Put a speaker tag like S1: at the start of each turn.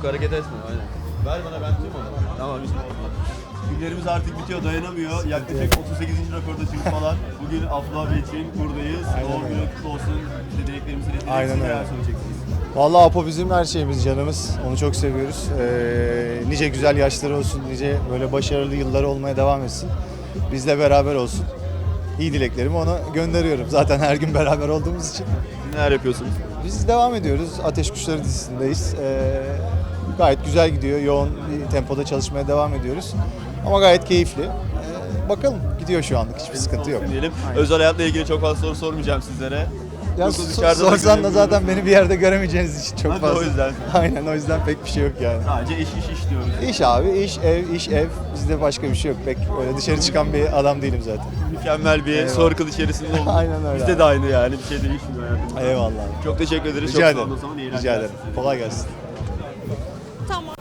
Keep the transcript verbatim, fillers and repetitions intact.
S1: Çok hareket etme aynen. Ver bana ben tutayım onu. Tamam bizim oldu. Günlerimiz artık bitiyor, dayanamıyor. Yaklaşık otuz sekizinci röportajımız falan. Bugün Afra abi için buradayız. Doğum günü kutlu olsun. Size dileklerimizi ileteceksiniz.
S2: Aynen öyle.
S1: Neler söyleyeceksiniz?
S2: Vallahi Apo bizim her şeyimiz, canımız. Onu çok seviyoruz. Ee, nice güzel yaşları olsun, nice böyle başarılı yılları olmaya devam etsin. Bizle beraber olsun. İyi dileklerimi ona gönderiyorum. Zaten her gün beraber olduğumuz için.
S1: Neler yapıyorsunuz?
S2: Biz devam ediyoruz. Ateş Kuşları dizisindeyiz. Ee, gayet güzel gidiyor. Yoğun bir tempoda çalışmaya devam ediyoruz. Ama gayet keyifli. Ee, bakalım gidiyor şu anlık. Hiçbir sıkıntı yok.
S1: Diyelim.
S2: Aynen.
S1: Özel hayatla ilgili çok fazla soru sormayacağım sizlere.
S2: Ya
S1: Yoksa
S2: so-
S1: dışarıda da
S2: sorsan da
S1: göremiyoruz.
S2: zaten beni bir yerde göremeyeceğiniz için çok
S1: Hadi
S2: fazla.
S1: o yüzden.
S2: Aynen, o yüzden pek bir şey yok yani.
S1: Sadece iş iş iş diyoruz.
S2: İş abi, iş, ev, iş, ev. Bizde başka bir şey yok. Pek öyle dışarı çıkan bir adam değilim zaten.
S1: Mükemmel bir
S2: Eyvallah.
S1: soru kıl içerisinde olduk.
S2: Aynen öyle
S1: Bizde
S2: abi.
S1: de aynı yani bir şey değişmiyor hayatımızda.
S2: Eyvallah.
S1: Çok teşekkür ederiz.
S2: Rica
S1: çok sağ olun
S2: ederim.
S1: o zaman. İyi
S2: Rica
S1: eğlenceler
S2: ederim.
S1: size.
S2: Kolay gelsin.